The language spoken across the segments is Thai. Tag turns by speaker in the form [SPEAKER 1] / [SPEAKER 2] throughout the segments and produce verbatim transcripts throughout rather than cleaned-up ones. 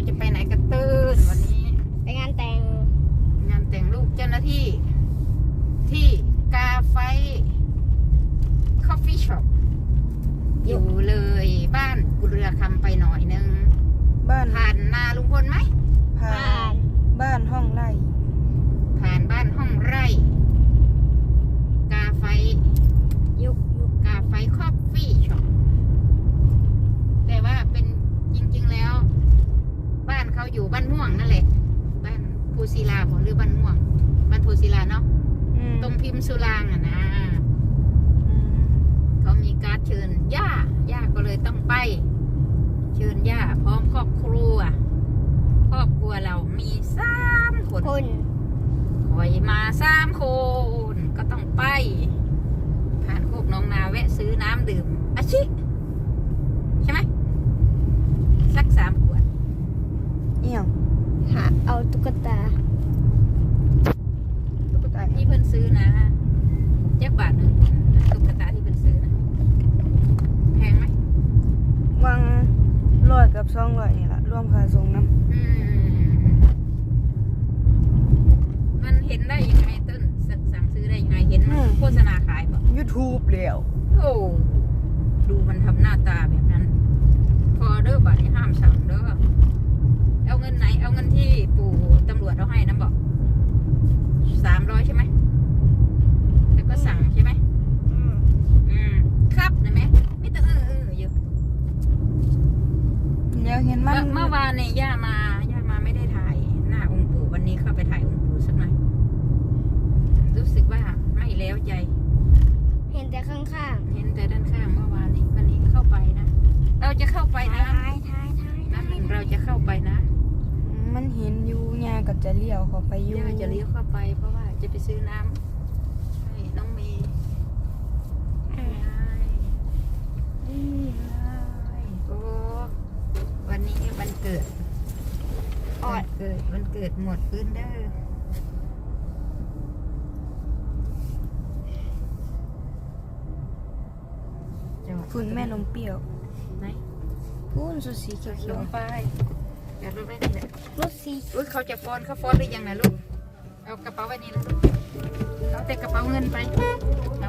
[SPEAKER 1] จะไปไหนกันตื่นวันนี้
[SPEAKER 2] ไปงานแต่ง
[SPEAKER 1] งานแต่งลูกเจ้าหน้าที่ที่กาไฟคอฟฟี่ช็อปอยู่เลยบ้านกุเรือคำไปหน่อยนึง
[SPEAKER 3] บ้าน
[SPEAKER 1] ผ่านนาลุงพลไหม
[SPEAKER 3] ผ่านบ้านห้องไร่
[SPEAKER 1] ผ่านบ้านห้องไร่กาไฟยุกยุกกาไฟคอฟฟี่ช็อปแต่ว่าเป็นจริงๆแล้วบ้านเขาอยู่บ้านม่วงนั่นแหละบ้านภูศิลาผมหรือบ้านม่วงบ้านภูศิลาเนาะตรงพิมพ์สุรางอ่ะนะเขามีการ์ดเชิญย่าย่าก็เลยต้องไปเชิญย่าพร้อมครอบครัวครอบครัวเรามีสามคน
[SPEAKER 2] คน
[SPEAKER 1] คอยมาสามคนก็ต้องไปผ่านโคกน้องนาแวะซื้อน้ำดื่มอาชิใช่ไหมสักสามขวด
[SPEAKER 3] เอี่ยง
[SPEAKER 2] หาเอาตุ๊กตา
[SPEAKER 3] ตุ๊กตา
[SPEAKER 1] ที่เพิ่นซื้อนะแจ็คบาทหนึ่งตุ๊กตาที่เพิ่นซื้อนะแพงไหม
[SPEAKER 3] วางร้อยกับสองร้อยนี่แหละรวมค่าส่งน้ำ
[SPEAKER 1] อืมมันเห็นได้ยังไงต้นสั่งซื้อได้ยังไงเห็นโฆษณาขายป่ะ
[SPEAKER 3] ยูทูบแล้ว
[SPEAKER 1] โอ้ดูมันทำหน้าตาแบบนั้นพอเด้อบัตรห้ามสั่งเด้อเอาเงินไหนเอาเงินที่ปู่ตำรวจเอาให้นะบอกสามร้อยใช่ไหมแล้วก็สั่งใช่ไหม
[SPEAKER 3] อืม
[SPEAKER 1] อืมครับนะแม่ไม่ต้องเออเอออยู่
[SPEAKER 3] เดี๋ยวเห็นมัน
[SPEAKER 1] เมื่อวานเนี่ยย่ามาย่ามาไม่ได้ถ่ายหน้าองค์ปู่วันนี้เข้าไปถ่ายองค์ปู่สักหน่อยรู้สึกว่าไม่แล้วใจ
[SPEAKER 2] เห็นแต่ข้าง
[SPEAKER 1] เห็นแต่ด้านข้างเมื่อวานนี้วันนี้เข้าไปนะเราจะเข้าไป
[SPEAKER 2] ๆ
[SPEAKER 1] นะ
[SPEAKER 2] ท้ายท้ายท้าย
[SPEAKER 1] นั่นหนึ่งเราจะเข้าไปนะ
[SPEAKER 3] มันเห็นอยู่ยาก็จะเลี้ยวเข้าไปอยู่
[SPEAKER 1] ย่าจะเลี้ยวเข้าไปเพราะว่าจะไปซื้อน้ำให้น้องเมย์นี่เลยโอ้วันนี้วันเกิดวันเกิดวันเกิดหมดพื้นเด้อ
[SPEAKER 3] ฝุ่นแม่นมเปรี้ยว
[SPEAKER 1] ไหน
[SPEAKER 3] พูนสุสีเขียว
[SPEAKER 1] ลงไปอย่าลงไปนี่แหละ
[SPEAKER 2] รถสี
[SPEAKER 1] อุ้ยเขาจะฟ้อนเขาฟ้อนหรือยังนะลูกเอากระเป๋าไว้นี่แล้วลูกเอาแต่กระเป๋าเงินไปเอา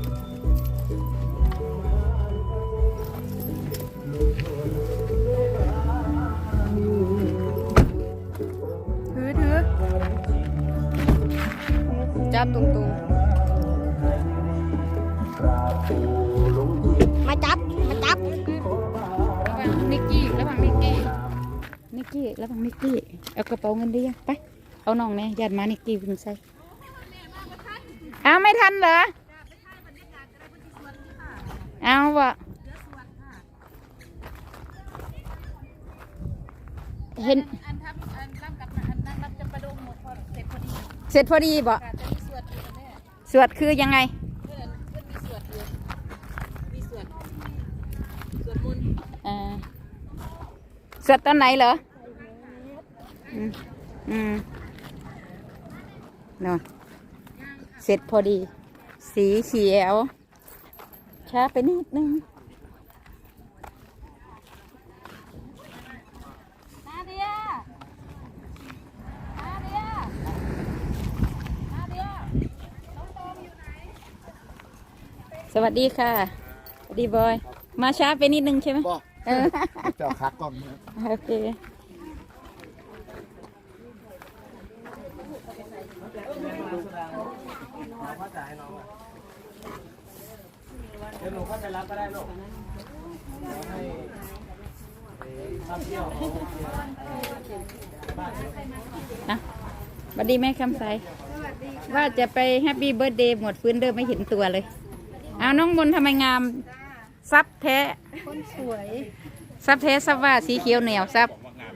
[SPEAKER 3] ถือถือจับตรง
[SPEAKER 2] มาจับมาจับ
[SPEAKER 1] ระวังนิกกี้ระวังนิกกี้นิกกี้ระวังนิกกี้เอากระเป๋าเงินได้ยังไปเอาน้องเนี่ยยัดมานิกกี้วิ่งใส่เอาไม่ทันเหรอเอาวะเห็นเสร็จพอดีบ่สวดคือยังไงสวดตอนไหนเหรออืมอืมนอนเสร็จพอดีสีเขียวช้าไปนิดนึงนาเดียนาเดียนาเดียสวัสดีค่ะสวัสดีบอยมาช้าไปนิดนึงใช่ไหมเออ
[SPEAKER 4] เจ้าคักกล้อง
[SPEAKER 1] โอเค
[SPEAKER 4] เดี๋ยวหนูเข้าไปรับก็ได้ลูก
[SPEAKER 1] นะสวัสดีแม่คำใสว่าจะไปแฮปปี้เบิร์ดเดย์หมดฟื้นเดิมไม่เห็นตัวเลยเอาน้องมนทำไมงามซับแท้
[SPEAKER 2] คนสวย
[SPEAKER 1] ซับแท้ซับว่าสีเขียวเหนียวซับ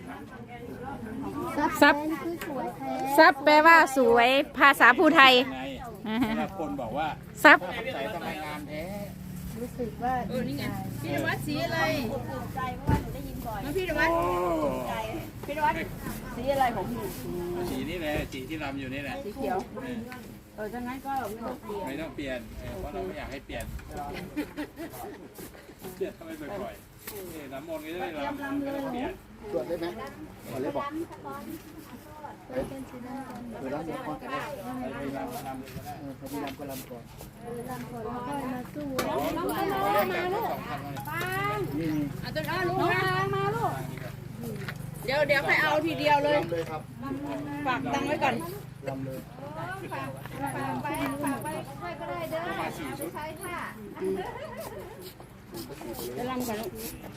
[SPEAKER 1] ซับซับแปลว่าสวยภาษาภูไทย
[SPEAKER 4] คนบอกว่า
[SPEAKER 1] ซับ
[SPEAKER 4] ใจทำไมงามแท้
[SPEAKER 2] รู้สึกว่าเออนี่ไง
[SPEAKER 1] พี่นวัดสีอะไร
[SPEAKER 2] ใจเพราะว่าหนูได้ยินบ่อย
[SPEAKER 1] พี่นวัด
[SPEAKER 2] ใจพี่นวัดสีอะไรผมอยู่
[SPEAKER 4] สีนี่แหละสีที่รำอยู่นี่แหละ
[SPEAKER 2] สีเขียวเออถ้างั้นก็ไม่ต้องเปลี่ยน
[SPEAKER 4] ไม่ต้องเปลี่ยนเพราะเราไม่อยากให้เปลี่ยนเปลี่ยนทำไมบ่อยๆน้ำมนต์ก็จะได้รำไม่ต้องเปลี่ยน
[SPEAKER 5] ตรวจได้ไหมตรวจเลยบอกเออเวลาจะก่อนก็ได้เออพยายามก็ลำก่อนน้องก็มามาลูกนี่
[SPEAKER 2] เอาต้นอ้อลูกมามาลูกเดี๋ยวเดี๋ยวให้เอาทีเดียวเลย
[SPEAKER 5] ลำเลยครับ
[SPEAKER 2] ฝากตังค์ไว้ก่อน
[SPEAKER 5] ลำเลย
[SPEAKER 1] ไปฝากไปค่อยก็ได้เด้อเอาไปใช้ค่ะ
[SPEAKER 2] ไปรำก่อนลูก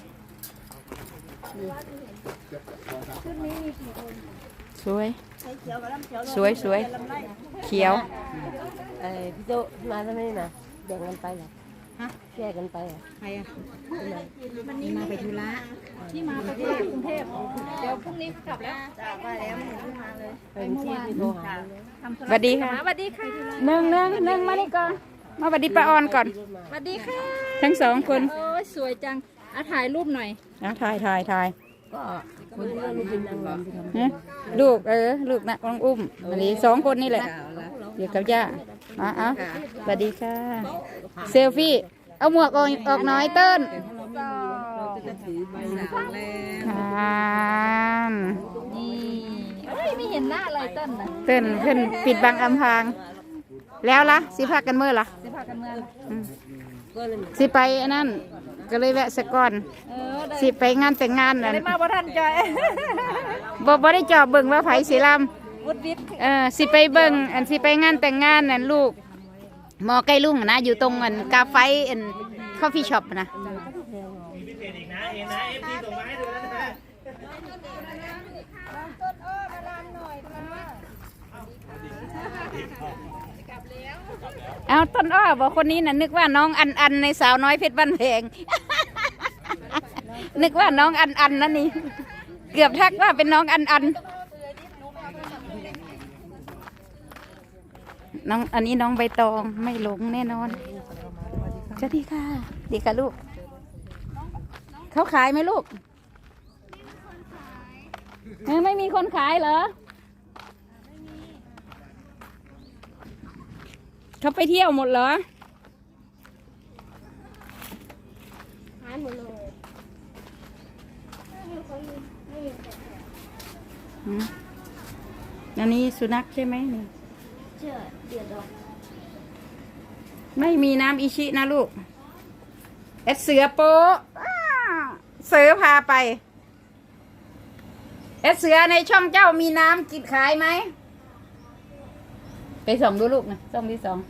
[SPEAKER 2] สวยสวยสวยเขียว
[SPEAKER 6] เออพี่โตมาทำไมนะแบ่งกันไปเหรอฮะแยกกันไปเหรอ
[SPEAKER 1] ใครอ่ะวันนี้มาไปธุระที่มาไปที่กรุงเทพเดี๋ยวพรุ่งนี้กลับแล้ว
[SPEAKER 3] จากไปแล้วไม่เห็นที่มาเลย
[SPEAKER 6] ไปเมื่อวานโทรหา
[SPEAKER 1] สวัสดีค่ะสวัสดีค่ะหนึ่งหนึ่งหนึ่งมานี่ก่อนมาสวัสดีป้าออนก่อน
[SPEAKER 2] สวัสดีค่ะ
[SPEAKER 1] ทั้งสองคน
[SPEAKER 2] โอ้ยสวยจังอ่ะถ่ายรูปหน่อย
[SPEAKER 1] นะถ่ายถ่ายถ่าย
[SPEAKER 6] ก็คนที่ลูกเป็นนางรำที่ทำ
[SPEAKER 1] นะลูกเออลูกนะน้องอุ้มอันนี้สองคนนี่แหละเดี๋ยวกับย่าอ่ะอ่ะสวัสดีค่ะเซลฟี่เอาหมวกออกออกน้อยเติ้ล
[SPEAKER 6] เราจะถือใบหนาแล้ว
[SPEAKER 1] ค่ะ
[SPEAKER 2] นี่เอ้ยไม่เห็นหน้าเลยเต้นนะ
[SPEAKER 1] เติ้ลขึ้นปิดบังอำพรางแล้วล่ะสิพากันเมื่อล่ะ
[SPEAKER 2] สิพากันเมือง
[SPEAKER 1] อืม
[SPEAKER 6] ก็เลย
[SPEAKER 1] สิไปอันนั้นก็เลยแวะสะก่อน
[SPEAKER 2] เออได้
[SPEAKER 1] สิไปงานแต่งงานนั่น
[SPEAKER 2] ได้มาบ่ทันจอย
[SPEAKER 1] บ่บ่ได้จอบเบิ่งว่าไผสิล
[SPEAKER 2] วุฒิวิทย์
[SPEAKER 1] ำเออสิไปเบิ่งอันสิไปงานแต่งงานนั่นลูกหมอใกล้ลุงนะอยู่ตรงอันกาไฟอันคอฟฟี่ช็อปนะ
[SPEAKER 4] มีพิเศษอีกนะเอ็นนะเอฟซีส่งมาให้ดูแล้วนะ
[SPEAKER 1] เอาต้นอ้อบอกคนนี้น่ะนึกว่าน้องอันอันในสาวน้อยเพชรบ้านแพง นึกว่าน้องอันอันนั่นนี่เกือบทักว่าเป็นน้องอันอันน้องอันนี้น้องใบตองไม่หลงแน่นอนสวัสดีค่ะดีค่ะลูกเขาขายไหมลูกเออไม่มีคนขายเหรอเขาไปเที่ยวหมดเหรอหายหมดเลยอันนี้สุนัขใช่ไหมนี่ใช่เดือดร้อนไม่มีน้ำอิชินะลูกเอสเสือโป๊ะอ้าเสือพาไปเอสเสือในช่องเจ้ามีน้ำกินขายไหมไปส่องดูลูกนะส่องที่สอง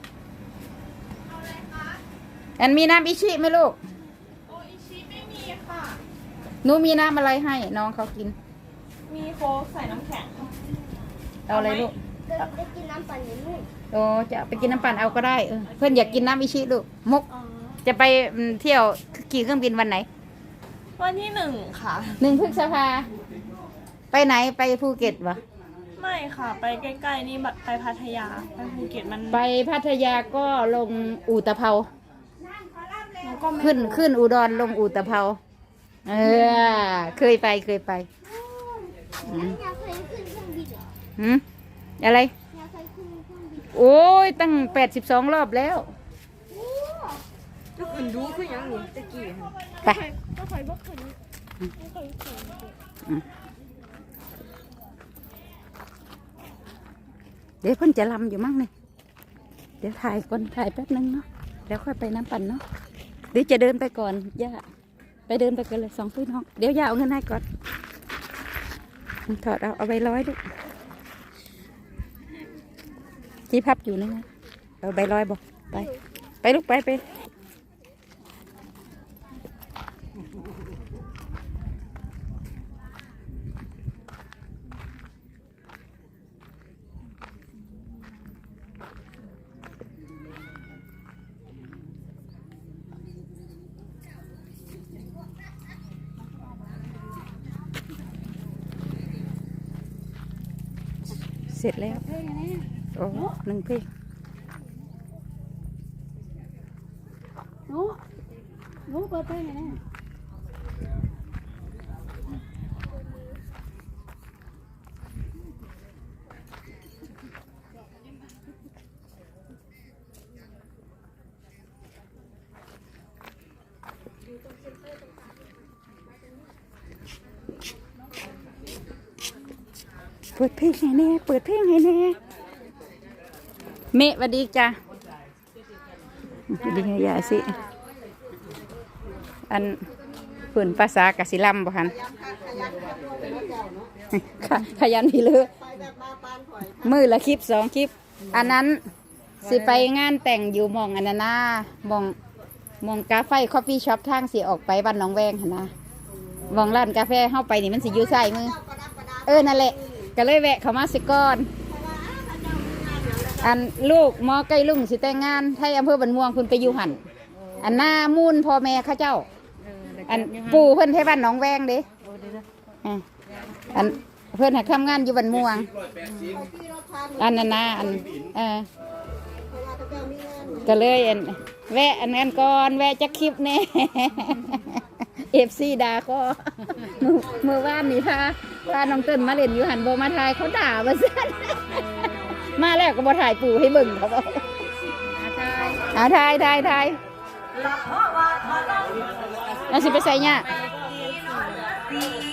[SPEAKER 1] อันมีน้ำอิชิไหมลูกโออิชิไม่มีค่ะหนูมีน้ำอะไรให้น้องเขากินมีโค้กใส่น้ำแข็งเอาอะไรลูกได้กินน้ำปั่นอยู่ลูกโอ้จะไปกินน้ำปั่นเอาก็ได้เออเพื่อนอยากกินน้ำอิชิลูกมุกจะไปเที่ยวขี่เครื่องบินวันไหน
[SPEAKER 7] วันที่หนึ่งค่ะ
[SPEAKER 1] หนึ่งพฤษภาไปไหนไปภูเก็ตวะ
[SPEAKER 7] ไม่ค่ะ ไปใกล้ๆนี่ไปพัทยา ไปภูเก็ตมัน
[SPEAKER 1] ไปพัทยาก็ลงอู่ตะเภา
[SPEAKER 7] มันก็ไม่
[SPEAKER 1] ขึ้นขึ้นอุดรลงอู่ตะเภาเออเคยไปเคยไปอืม
[SPEAKER 8] อยากเคยขึ้นเครื่องบินเหรอ
[SPEAKER 1] หืมอะไร
[SPEAKER 8] อยากเคยขึ้นเครื่องบิน
[SPEAKER 1] โอ้ยตั้งแปดสิบสองรอบแล้ว
[SPEAKER 3] ทุกคนดูคือยังนี่ตะกี้
[SPEAKER 1] ไป
[SPEAKER 8] ก็เคยบอกเคยไม่เคยขึ้น
[SPEAKER 1] เดี๋ยวเพิ่นจะลำอยู่มั้งเนี่ยเดี๋ยวถ่ายก่อนถ่ายแป๊บนึงเนาะแล้วค่อยไปน้ำปั่นเนาะเดี๋ยวจะเดินไปก่อนย่าไปเดินไปกันเลยสองพี่น้องเดี๋ยวย่าเอาเงินให้ก่อนถอดเอาเอาไปร้อยลูกที่พับอยู่นี่ไงเอาใบร้อยบอกไปไปลูกไปไปเสร็จแล้วโอ้หนึ่งเพลง
[SPEAKER 2] หนูหนูเปิดเพลงไงแน่
[SPEAKER 1] เปิดเพลงให้แน่เปิดเพลงให้แน่เมะสวัสดีจ้ะสวัสดีค่ะยายสิอันฝืนภาษากสิลัมบ่คันขยันพี่เลือมือละคลิปสองคลิปอันนั้นสิไปงานแต่งอยู่มองอันนั้นนะมองมองกาแฟคอฟฟี่ช็อปทางสิออกไปบ้านหนองแวงหั่นนะมองร้านกาแฟเข้าไปนี่มันสิอยู่ใส่มือเออนั่นแหละก็เลยแวะเข้ามาสิก่อนอันลูกหมอใกล้ลุงสิแต่งงานไทยอำเภอบันม่วงคุณไปอยู่หันอันหน้ามูนพ่อแม่ข้าเจ้าอันปู่เพื่อนที่บ้านหนองแวงเด้อันเพื่อนหักทำงานอยู่บันม่วงอันนั้นนะอันเออก็เลยอันแวะอันนั้นก่อนแวะจะคลิปแน่เอฟซีด่าก็เมื่อวานนี่พาพาน้องเติ้ลมาเล่นอยู่หันโบมาถ่ายเขาด่ามาซะมาแล้วก็บอถ่ายปู่ให้เบิ่งเขาบอกอาถ่ายถ่ายถ่ายเราสิไปใส่เนี่ย